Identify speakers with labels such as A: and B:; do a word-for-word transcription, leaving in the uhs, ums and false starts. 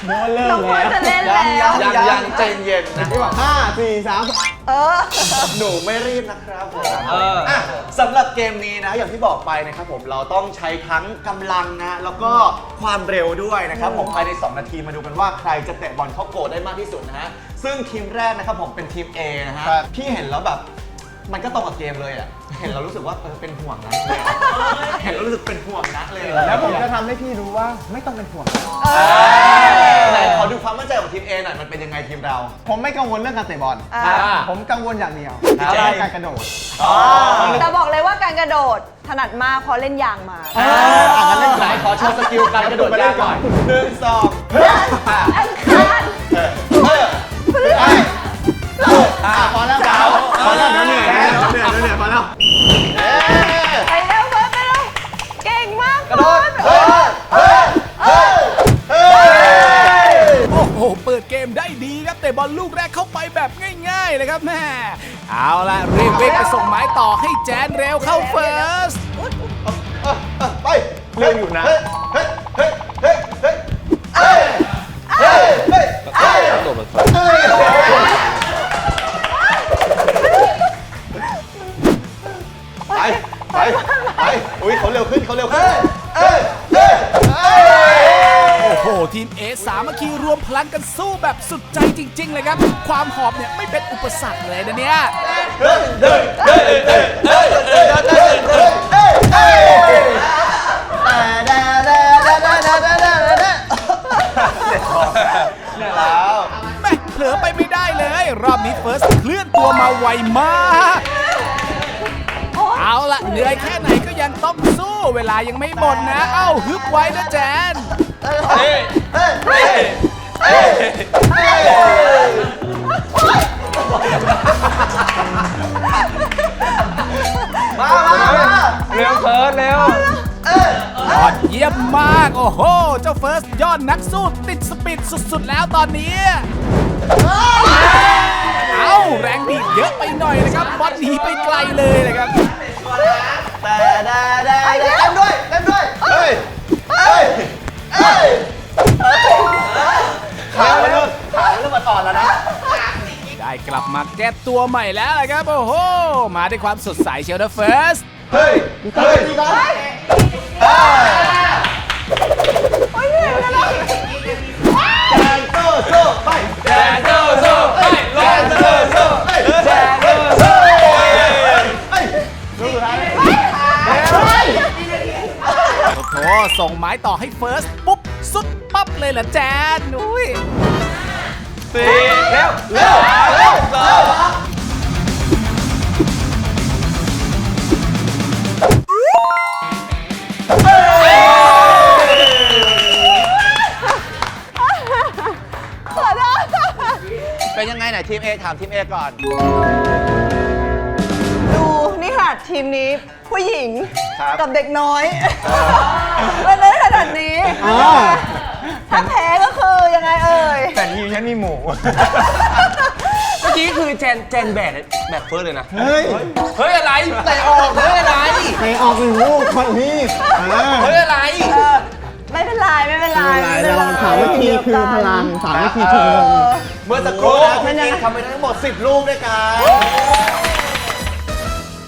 A: โน้ตเริ่ม
B: น้องเฟิ
A: แล้
B: ร์
A: ว
B: สจะเล่นแล้ว
C: ยังยังใจเย็นนะ
A: ที่บอกห้าสี่สาม
B: เออ
C: หนูไม่รีบนะครับผม
D: เออ
C: อ่ะสำหรับเกมนี้นะอย่างที่บอกไปนะครับผมเราต้องใช้ทั้งกำลังนะแล้วก็ความเร็วด้วยนะครับผมภายในสองนาทีมาดูกันว่าใครจะเตะบอลเข้าโกลได้มากที่สุดนะฮะซึ่งทีมแรกนะครับผมเป็นทีม A นะฮะพี่เห็นแล้วแบบมันก็ตรงกับเกมเลยอ่ะเห็นเรารู้สึกว่าเออเป็นห่วงนะเลยอะเห็นแล้วรู้สึกเป็นห่วงนะเลย
A: แล้วผมจะทำให้พี่รู้ว่าไม่ต้องเป็นห่วง
C: ไหนขอดูความมั่นใจของทีม A หน่อยมันเป็นยังไงทีมเรา
A: ผมไม่กังวลเรื่องการเตะบอล
B: อ่า
A: ผมกังวลอย่างเดียว
C: ครับ
A: เรื่องการกระโดด
B: แต่บอกเลยว่าการกระโดดถนัดมากเพราะเล่นยางมา
A: อ่ะงั้นเล่น
C: ไหนขอโชว์สกิลการกระโดดยางหน่อยหนึ่งสอง
B: อังคาร
C: เออ
B: พฤหัส
A: อ่ะพอแล้วพอแล้วเดี๋ยวเหนื่อยเดี๋ยวเหนื่อยเดี๋ยวเหนื่อยพอแล้ว
B: ไปเร็วเฟิร์สไปเร็วเก่งมาก
C: กระโดด
B: เออ
C: เฮ้ยเฮ้ยเฮ้ย
E: โอ้โห เปิดเกมได้ดีครับแต่บอลลูกแรกเข้าไปแบบง่ายๆเลยครับแม่เอาละรีบวิ่งไปส่งไม้ต่อให้แจนเร็วเข้าเฟิร์ส
C: ไปเร็วอยู่นะเฮ้ยเฮ้ยเฮ้ยเฮ้ยเฮ้ยเฮ้ยเฮ้ยเฮ้ยเฮ้ยไปไปไปอุ้ยเขาเร็วขึ้นเขาเร็วขึ้นเฮ้ยเฮ้ยเฮ้ย
E: โอ้โห ทีมเอสามัคคีรวมพลังกันสู้แบบสุดใจจริง ๆ เลยครับ ความหอบเนี่ยไม่เป็นอุปสรรคเลยนะเนี่ย
C: เฮ้ยเฮ้ยเฮ้ยเฮ้ยเฮ้ยเฮ้ยเฮ้ยเฮ้ยเฮ้ยเฮ้ยแต่แต่แต่แต่แต่แต่แต่แต่เนี่ยแล้ว
E: แม่เผลอไปไม่ได้เลย รอบนี้เฟิร์สเคลื่อนตัวมาไวมาก เอาละเหนื่อยแค่ไหนก็ยังต้องสู้เวลายังไม่หมดนะ เอ้าฮึบไว้นะแจน
C: เฮ้ยเฮ้ยเฮ้ยเฮ้ยเฮ้ยมามามา
D: เร็วเฟิร์สเร็ว
E: ยอดเยี่ยมมาก โอ้โห เจ้าเฟิร์สยอดนักสู้ติดสปีดสุดๆแล้วตอนนี้ เอาแรงดีดเยอะไปหน่อยนะครับบอลหนีไปไกลเลยนะครับ
C: แต่แต่แต่เต้นด้วยเต้นด้วยเฮ้ยเฮ้ยเฮ้ยขาเริ่มขาเริ่มมาอ่อนแล้วนะ
E: ได้กลับมาแก้ตัวใหม่แล้วนะครับ โอ้โห มาด้วยความสดใสเชียวนะเฟิร์ส
C: เฮ้ยเฮ้ยเฮ้ย
B: โอ้ยเหนื่อยแล้ว
C: แจนโซ่โซ่ไปแจนโซ่โซ่ไปแจนโซ่โซ่ไปแจนโซ่โซ่ไปดูสุดท้ายเลย
E: โอ้โห ส่งไม้ต่อให้เฟิร์สปุ๊บ สุดปั๊บเลยเหรอแจนอุ้ย
D: สี่เร็ว
C: เร็วเร็วเร็ว
B: ขอโทษ
C: เป็นยังไงไหนทีม A ถามทีม A ก่อน
B: ดูนี่ค่ะทีมนี้ผู้หญิง
C: ครับ
B: กับเด็กน้อยมันเลยขนาดนี้ ถ้าแพ้ก็คือยังไงเอ่ย
A: แต่ทีมฉันมีหมู
D: เมื่อกี้คือแจนแจนแบดแบบเฟิร์สเลยนะ
A: เฮ้ย
D: เฮ้ยอะไรแต่ออกเฮ้ยอะไร
A: ไปออกหนึ่งลูกคนนี้เออ
D: เฮ้ยอะไร
B: เออไม่เป็นไรไม่เป็นไร
A: ไม่เป็นไรเราสามัคคีคือพลังสามัคคีคือพลัง
C: เมื่อสักครู่นะพี่ติ๊กทำไปทั้งหมดสิบลูกด้วยกัน